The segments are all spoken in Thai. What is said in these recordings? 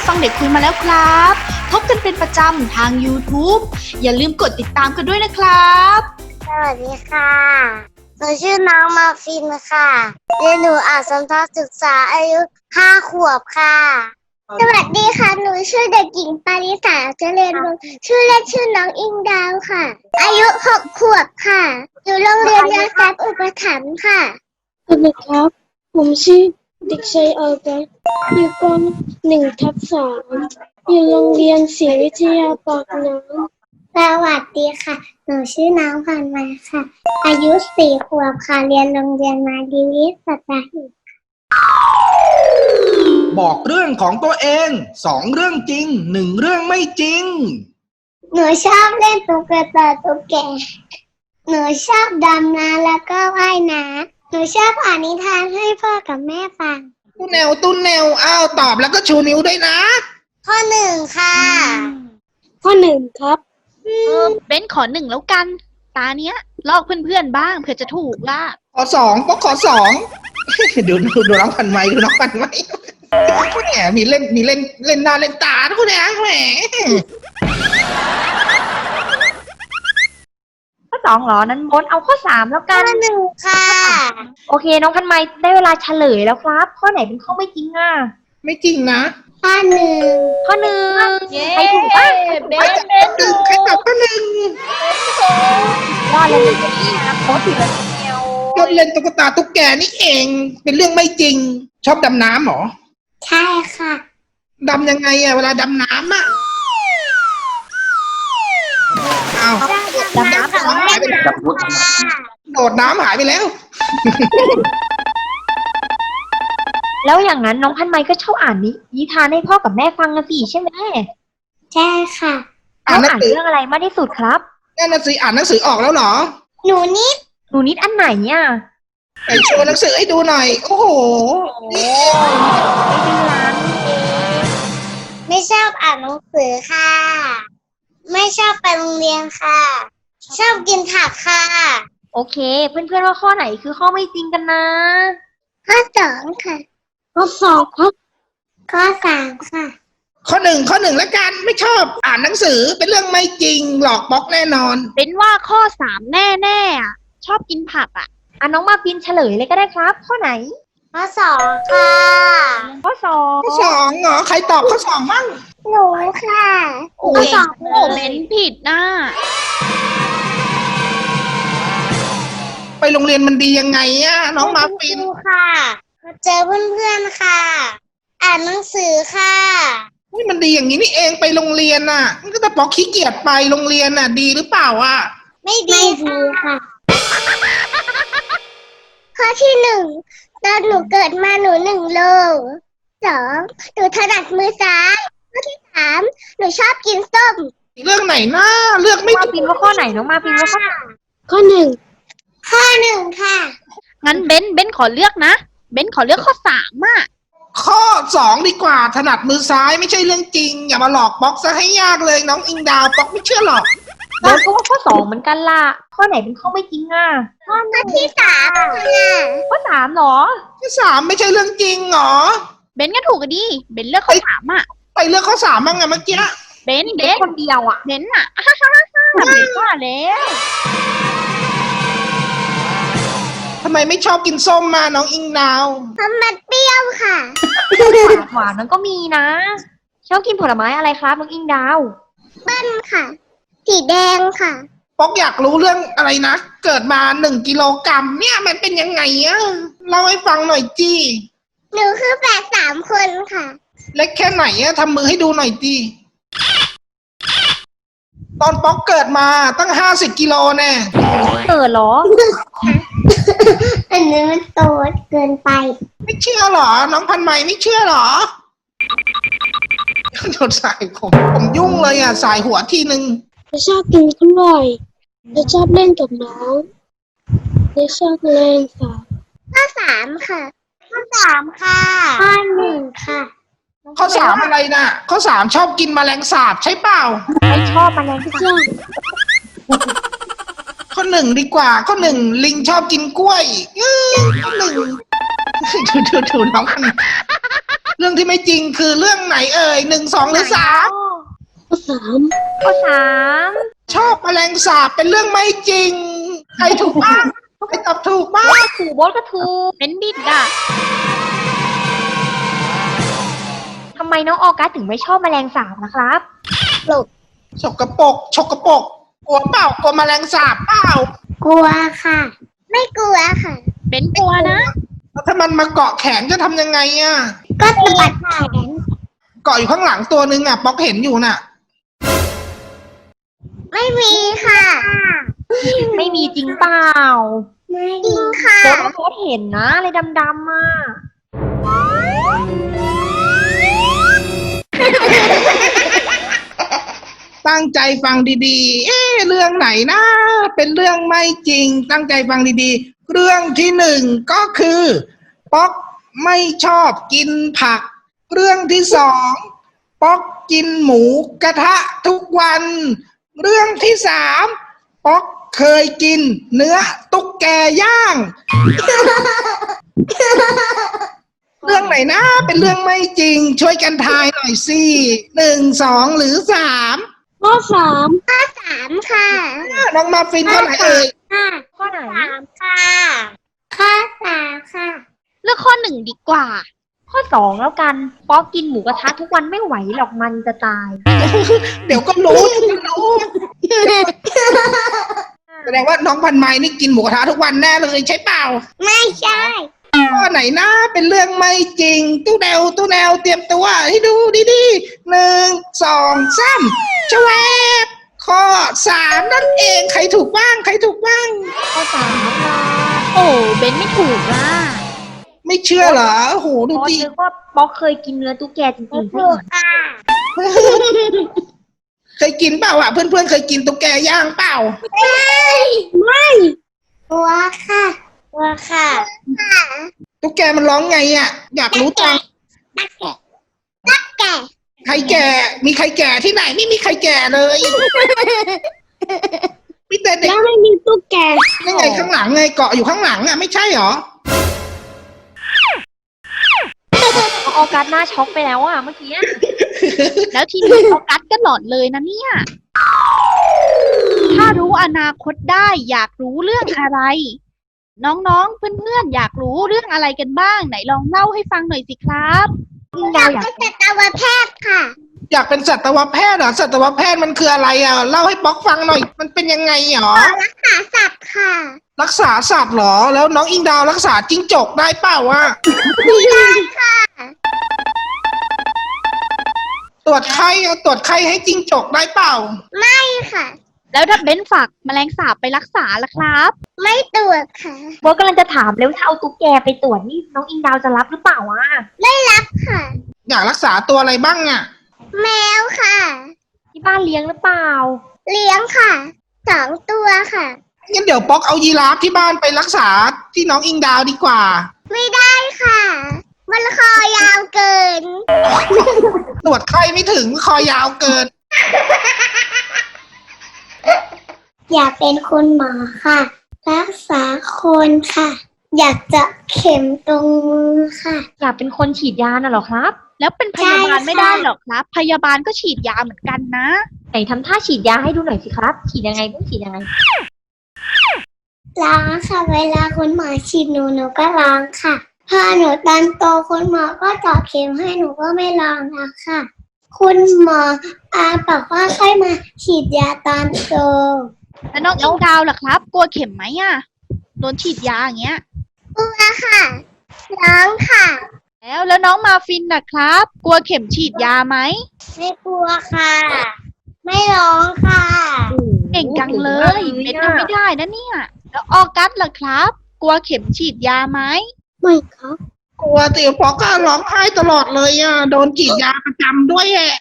ฟังเด็กคุยมาแล้วครับพบกันเป็นประจำทาง YouTube อย่าลืมกดติดตามกันด้วยนะครับสวัสดีค่ะหนูชื่อน้องมาฟินค่ะเรียนหนูอาสมทศึกษาอายุ5 ขวบค่ะสวัสดีค่ะหนูชื่อเด็กหญิงปาริสาเจริญวงศ์ชื่อเล่นชื่อน้องอิงดาวค่ะอายุ6 ขวบค่ะอยู่โรงเรียนยาซับอุปถัมภ์ค่ะสวัสดีครับผมชื่อเด็กชายออกัสอยู่ป .1/3 อยู่โรงเรียนศรีวิทยาปากน้ำสวัสดีค่ะหนูชื่อน้องพันมาค่ะอายุ4 ขวบค่ะเรียนโรงเรียนมาดีวิทย์สัตหีบบอกเรื่องของตัวเอง2 เรื่องจริง1 เรื่องไม่จริงหนูชอบเล่นตุ๊กตาตุ๊กแกหนูชอบดำน้ำแล้วก็ว่ายน้ำหนูชอบอ่านนิทานให้พ่อกับแม่ฟังตุ้นแนวอ้าวตอบแล้วก็ชูนิ้วด้วยนะข้อ 1ค่ะข้อ 1ครับเบ้นขอ1แล้วกันตาเนี้ยลอกเพื่อนๆบ้างเผื่อจะถูกล่ะข้อ 2ก็ข้อ 2 ดูน้องพันไม้ดูน้องพันไม้แหมมีเล่นหน้าเล่นตาทุกอย่างแหมข้อ 2เหรอนั้นบนเอาข้อ 3แล้วกัข้อ 1ค่ะโอเคน้องพันไม้ได้เวลาเฉลยแล้วครับข้อไหนเป็นข้อไม่จริงอ่ะไม่จริงนะข้อ 1 ข้อ 1ใครถูกบ้างใครตอบข้อ 1 รอดเลยนี่นะโค้ชถูกแล้วเดียวก็เล่นตุ๊กตาตุ๊กแกนี่เองเป็นเรื่องไม่จริงชอบดำน้ำเหรอใช่ค่ะดำยังไงอะเวลาดำน้ำอะอ้าวดำน้ำของแม่ค่ะโดดน้ำหายไปแล้วแล้วอย่างนั้นน้องพันไม้ก็ชอบอ่านนิทานให้พ่อกับแม่ฟังนะสิใช่ไหมใช่ค่ะน้องอ่านเรื่องอะไรมากที่สุดครับนั่นน่ะสิอ่านหนังสือออกแล้วเหรอหนูนิดอันไหนเนี่ยไปโชว์หนังสือให้ดูหน่อยโอ้โหไม่ชอบอ่านหนังสือค่ะไม่ชอบไปโรงเรียนค่ะชอบกินผักค่ะโอเคเพื่อนๆว่าข้อไหนคือข้อไม่จริงกันนะข้อ 2ค่ะข้อ 2ครับข้อ 3ค่ะข้อ 1แล้วกันไม่ชอบอ่านหนังสือเป็นเรื่องไม่จริงหลอกบล็อกแน่นอนเป็นว่าข้อ 3แน่ๆอ่ะชอบกินผักอ่ะน้องมาฟินเฉลยเลยก็ได้ครับข้อไหนข้อ 2ค่ะข้อ 2 เหรอใครตอบข้อ 2บ้างหนูค่ะข้อ 2เบ้นผิดนะไปโรงเรียนมันดียังไงอะน้องมาฟินค่ะเจอเพื่อนๆค่ะอ่านหนังสือค่ะนี่มันดีอย่างนี้นี่เองไปโรงเรียนน่ะมันก็จะบอกขี้เกียจไปโรงเรียนน่ะดีหรือเปล่าอ่ะไม่ดีค่ะข้อที่ 1ตอนหนูเกิดมาหนู1 โล 2หนูถนัดมือซ้ายข้อที่ 3หนูชอบกินส้มเรื่องไหนนะเลือกไม่ถูกมาฟินว่าข้อไหนน้องมาฟินว่าข้อข้อ 1ค่ะงั้นเบ้นขอเลือกนะเบ้นขอเลือกข้อ 3อ่ะข้อ 2ดีกว่าถนัดมือซ้ายไม่ใช่เรื่องจริงอย่ามาหลอกบล็อกซะให้ยากเลยน้องอิงดาวบล็อกไม่เชื่อหรอกเบ้นก็ว่าข้อ 2เหมือนกันล่ะข้อไหนเป็นข้อไม่จริงอ่ะข้อที่ 3ค่ะข้อ 3เหรอข้อ 3ไม่ใช่เรื่องจริงเหรอเบ้นก็ถูกกันดิเบ้นเลือกข้อ 3อ่ะไปเลือกข้อ 3บ้างไงเมื่อกี้เบ้นคนเดียวอ่ะเบ้นอ่ะเบ้นว่าแล้วทำไมไม่ชอบกินส้มมาน้องอิงดาวเพราะมันเปรี้ยวค่ะหวานมันก็มีนะชอบกินผลไม้อะไรครับน้องอิงดาวเปิ้ลค่ะสีแดงค่ะป๊อกอยากรู้เรื่องอะไรนะเกิดมา1 กิโลกรัมเนี่ยมันเป็นยังไงอะเล่าให้ฟังหน่อยจี้หนูคือแฝด3 คนค่ะเล็กแค่ไหนอะทำมือให้ดูหน่อยจี้ตอนป๊อกเกิดมาตั้ง50 กิโลแน่เกิดเหรออันนี้มันโตเกินไปไม่เชื่อหรอน้องพันไม้ไม่เชื่อหรอโดนสายผมยุ่งเลยอะสายหัวทีนึงจะชอบกินกล้วยจะชอบเล่นกับน้องจะชอบเล่นค่ะข้อ 3ค่ะข้อ 3ค่ะข้อ 1ค่ะข้อ 3อะไรน่ะข้อ 3ชอบกินแมลงสาบใช่เปล่าไม่ชอบแมลงสาบข้อ 1ดีกว่าข้อ 1ลิงชอบกินกล้วยข้อ 1ดูน้องรื่องที่ไม่จริงคือเรื่องไหนเอ่ย1 2 หรือ 3 ข้อสามข้อสามชอบแมลงสาบเป็นเรื่องไม่จริง ใครถูกบ้างใครตอบถูกบ้างถูกโบทก็ถูกเป็นบิดอ่ะทำไมน้องออกัสถึงไม่ชอบแมลงสาบนะครับฉกกระปรกฉกกระปรกกลัวเปล่ากลัวแมลงสาบเปล่ากลัวค่ะ ไม่กลัวค่ะเป็นกลัวนะแล้วถ้ามันมาเกาะแขนจะทำยังไงอ่ะก็สะบัดแขนเกาะอยู่ข้างหลังตัวนึงอ่ะป๊อกเห็นอยู่น่ะไม่มีค่ะไม่มีจริงเปล่าไม่จริงค่ะโบทเห็นนะอะไรดำๆอ่ะตั้งใจฟังดีๆ เรื่องไหนนะ เป็นเรื่องไม่จริง ตั้งใจฟังดีๆ เรื่องที่1ก็คือ ป๊อกไม่ชอบกินผัก เรื่องที่2ป๊อกกินหมูกระทะทุกวัน เรื่องที่3ป๊อกเคยกินเนื้อตุ๊กแกย่าง เรื่องไหนนะ เป็นเรื่องไม่จริง ช่วยกันทายหน่อยสิ1 2 หรือ 3 ข้อสาม 3 ค่ะน้องมาฟินเท่าไหร่เอ่ยค่ะข้อไหน 3 ค่ะข้อ3 ค่ะเลือกข้อ 1 ดีกว่าข้อสองแล้วกัน ป๊อกกินหมูกระทะทุกวันไม่ไหวหรอกมันจะตายเดี๋ยวก็รู้ แสดงว่าน้องพันไม้นี่กินหมูกระทะทุกวันแน่เลยใช่เปล่าไม่ใช่ข้อไหนนะเป็นเรื่องไม่จริง ตู้แนวเตรียมตัวให้ดูดีๆ1 2 3ชวบข้อ3นั่นเองใครถูกบ้างใครถูกบ้างข้อสามค่ะโอ้เบนไม่ถูกอ่ะไม่เชื่อเหรอโอ้โหดูป๊อกดินึกว่าป๊อกเคยกินเนื้อตุ๊กแกจริงๆถูใช่กค่ะเคยกินเปล่าอ่ะเพื่อนๆเคยกินตุ๊กแกย่างเปล่ากลัวค่ะกลัวค่ะตุ๊กแกมันร้องไงอ่ะอยากรู้จังตักแก่ใครแก่มีใครแก่ที่ไหนไม่มีใครแก่เลยมีแต่เด็กแล้วไม่มีตุ๊กแกนั่นไงข้างหลังไงเกาะอยู่ข้างหลังอ่ะไม่ใช่เหรอน้องออกัสหน้าช็อกไปแล้วอ่ะเมื่อกี้อะแล้วทีนี้ออกัสก็หลอนเลยนะเนี่ย ถ้ารู้อนาคตได้อยากรู้เรื่องอะไร น้องๆ เพื่อนๆ อยากรู้เรื่องอะไรกันบ้าง ไหนลองเล่าให้ฟังหน่อยสิครับอยากเป็นสัตวแพทย์ค่ะอยากเป็นสัตวแพทย์เหรอสัตวแพทย์มันคืออะไรอ่ะเล่าให้ป๊อกฟังหน่อยมันเป็นยังไงหรอรักษาสัตว์ค่ะรักษาสัตว์เหรอแล้วน้องอิงดาวรักษาจิ้งจกได้เปล่าวะ ตรวจไข้ให้จิ้งจกได้เปล่าไม่ค่ะแล้วถ้าเบนฝากแมลงสาบไปรักษาล่ะครับไม่ตรวจค่ะโบทกำลังจะถามแล้วถ้าเอาตุ๊กแกไปตรวจนี่น้องอิงดาวจะรับหรือเปล่าวะค่ะอยากรักษาตัวอะไรบ้างอ่ะแมวค่ะที่บ้านเลี้ยงหรือเปล่าเลี้ยงค่ะ2 ตัวค่ะงั้นเดี๋ยวป๊อกเอายีราฟที่บ้านไปรักษาที่น้องอิงดาวดีกว่าไม่ได้ค่ะ มันคอยาวเกินตรวจไข้ไม่ถึงคอยาวเกินอยากเป็นคุณหมอค่ะ รักษาคนค่ะ อยากเจาะเข็มตรงมือค่ะอยากเป็นคนฉีดยาน่ะเหรอครับแล้วเป็นพยาบาลใช่ค่ะไม่ได้หรอกครับ พยาบาลก็ฉีดยาเหมือนกันนะไหนทำท่าฉีดยาให้ดูหน่อยสิครับ ฉีดยังไงต้องฉีดยังไงร้องค่ะ เวลาคุณหมอฉีดหนูก็ร้องค่ะ พอหนูตอนโตคุณหมอก็เจาะเข็มให้หนูก็ไม่ร้องแล้วค่ะ คุณหมอบอกว่าค่อยมาฉีดยาตอนโตแล้วน้องอิงดาวล่ะครับ กลัวเข็มไหมอ่ะ โดนฉีดยาอย่างเงี้ยกลัวค่ะ ร้องค่ะแล้วน้องมาฟินนะครับ กลัวเข็มฉีดยาไหมไม่กลัวค่ะ ไม่ร้องค่ะเก่งจังเลยเบนทำไม่ได้นะเนี่ย แล้วออกัสล่ะครับ กลัวเข็มฉีดยาไหมไม่ครับกลัวติป๊อกก็ร้องไห้ตลอดเลยอ่ะโดนฉีดยาประจำด้วยแหละ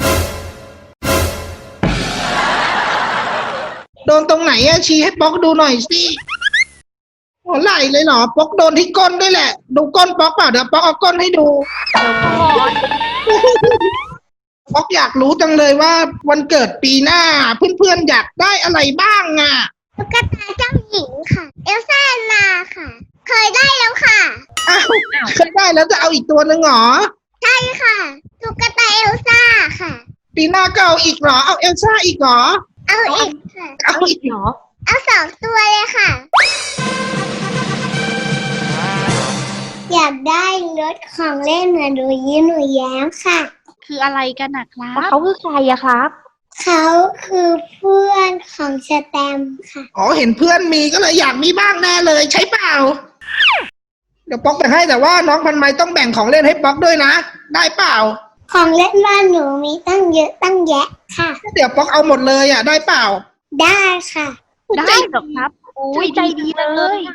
โดนตรงไหนอ่ะชี้ให้ป๊อกดูหน่อยสิหัวไหล่เลยเหรอป๊อกโดนที่ก้นด้วยแหละ ดูก้นป๊อกเปล่าเดี๋ยวป๊อกเอาก้นให้ดู ป๊อกอยากรู้จังเลยว่าวันเกิดปีหน้า เพื่อนๆอยากได้อะไรบ้างอ่ะตุ๊กตาเจ้าหญิงค่ะ เอลซ่าแอนนาค่ะ เคยได้แล้วค่ะอ้าวเคยได้แล้วจะเอาอีกตัวหนึ่งเหรอใช่ค่ะตุ๊กตาเอลซ่าค่ะปีหน้าก็เอาอีกเหรอ เอาเอลซ่าอีกเหรอเอาอีกค่ะเอาอีกเหรอเอา2 ตัวเลยค่ะ อยากได้รถของเล่นเหมือนหนูยิ้มหนูแย้มค่ะคืออะไรกันนะครัแล้วบเขาคือใครอะครับเขาคือเพื่อนของสแตมป์ค่ะอ๋อเห็นเพื่อนมีก็เลยอยากมีบ้างแน่เลยใช่เปล่า เดี๋ยวป๊อกแบ่งให้แต่ว่าน้องพันไม้ต้องแบ่งของเล่นให้ป๊อกด้วยนะ ได้เปล่าของเล่นบ้านหนูมีตั้งเยอะตั้งแยะค่ะเดี๋ยวป๊อกเอาหมดเลยอ่ะได้เปล่าได้ค่ะได้หรอครับโอ้ยใจดีเลย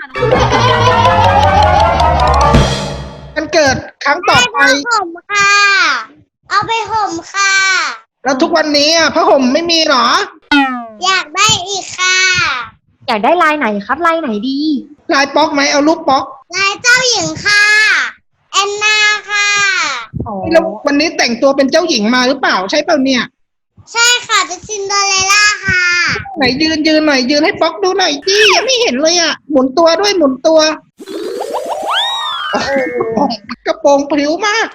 มันเกิดครั้งต่อไปห่มค่ะ เอาไปห่มค่ะแล้วทุกวันนี้อ่ะผ้าห่มไม่มีเหรออยากได้อีกค่ะอยากได้ลายไหนครับลายไหนดีลายป๊อกไหมเอารูปป๊อกลายเจ้าหญิงค่ะ แอนนาค่ะอ๋อแล้ววันนี้แต่งตัวเป็นเจ้าหญิงมาหรือเปล่าใช่เปล่าเนี่ยใช่ค่ะเป็นซินเดอเรลล่าค่ะไหนยืนหน่อยยืนให้ป๊อกดูหน่อยดิยังไม่เห็นเลยอ่ะหมุนตัวด้วยหมุนตัวโอ้โหกระโปรงพริ้วมาก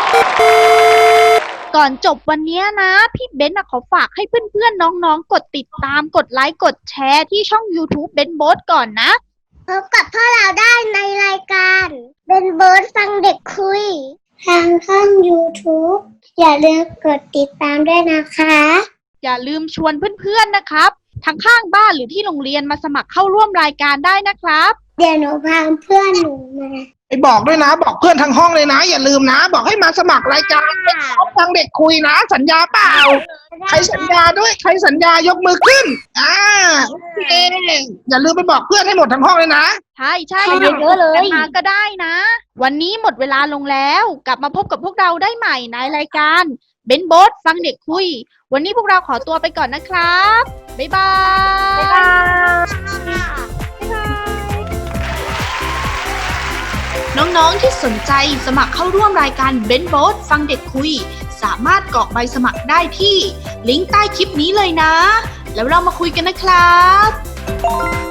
ก่อนจบวันนี้นะ พี่เบนซ์ขอฝากให้เพื่อนๆน้องๆกดติดตามกดไลค์กดแชร์ที่ช่อง YouTube เบนโบ๊ทก่อนนะพบกับพวกเราได้ในรายการเป็นเบิร์ดฟังเด็กคุย ทางช่อง YouTube อย่าลืมกดติดตามด้วยนะคะอย่าลืมชวนเพื่อนๆนะครับทั้งข้างบ้านหรือที่โรงเรียนมาสมัครเข้าร่วมรายการได้นะครับเดี๋ยวหนูพาเพื่อนหนูมาไปบอกด้วยนะ บอกเพื่อนทั้งห้องเลยนะ อย่าลืมนะ บอกให้มาสมัครรายการฟังเด็กคุยนะ สัญญาเปล่า ใครสัญญาด้วยใครสัญญายกมือขึ้นโอเคอย่าลืมไปบอกเพื่อนให้หมดทั้งห้องเลยนะใช่ใช่ให้เยอะๆเลยกันมาก็ได้นะ วันนี้หมดเวลาลงแล้ว กลับมาพบกับพวกเราได้ใหม่ในรายการเบนโบ๊ทฟังเด็กคุย วันนี้พวกเราขอตัวไปก่อนนะครับ บ๊ายบายบ๊ายบายน้องๆที่สนใจสมัครเข้าร่วมรายการเบนโบ๊ทฟังเด็กคุย สามารถกรอกใบสมัครได้ที่ลิงก์ใต้คลิปนี้เลยนะ แล้วเรามาคุยกันนะครับ